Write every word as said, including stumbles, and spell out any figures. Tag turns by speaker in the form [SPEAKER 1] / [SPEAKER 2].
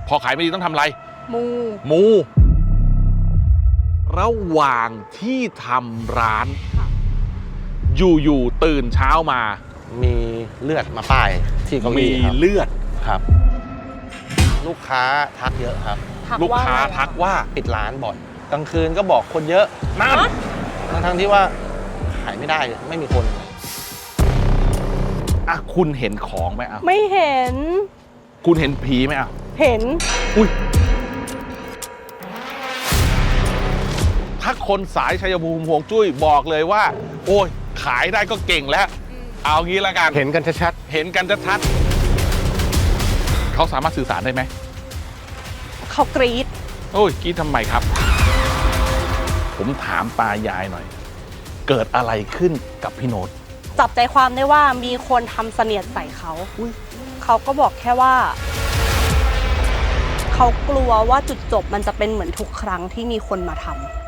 [SPEAKER 1] พอขายไม่ดีต้องทำอะไร
[SPEAKER 2] มู
[SPEAKER 1] มูระหว่างที่ทำร้านอยู่ๆตื่นเช้ามา
[SPEAKER 3] มีเลือดมาป้ายที่เก้าอี้
[SPEAKER 1] มีเลือด
[SPEAKER 3] ครับลูกค้าทักเยอะครับ
[SPEAKER 1] ลูกค้าทักว่า
[SPEAKER 3] ปิดร้านบ่อยกลางคืนก็บอกคนเยอะ
[SPEAKER 1] นั่น
[SPEAKER 3] ทั้งทั้งที่ว่าขายไม่ได้ไม่มีคน
[SPEAKER 1] อ่ะคุณเห็นของไหมอ่ะ
[SPEAKER 2] ไม่เห็น
[SPEAKER 1] คุณเห็นผีไหมอ่ะ
[SPEAKER 2] เห็น
[SPEAKER 1] อุ้ยถ้าคนสายชัยภูมิห่วงจุ้ยบอกเลยว่าโอ้ยขายได้ก็เก่งแล้วเอางี้ละกัน
[SPEAKER 3] เห็นกันชัด
[SPEAKER 1] ๆเห็นกันชัดๆเขาสามารถสื่อสารได้ไหม
[SPEAKER 2] เขากรี๊ด
[SPEAKER 1] โอ้ยกรี๊ดทำไมครับผมถามตายายหน่อยเกิดอะไรขึ้นกับพี่โน้ต
[SPEAKER 2] จับใจความได้ว่ามีคนทำเสนียดใส่เขาเขาก็บอกแค่ว่าเขากลัวว่าจุดจบมันจะเป็นเหมือนทุกครั้งที่มีคนมาทำ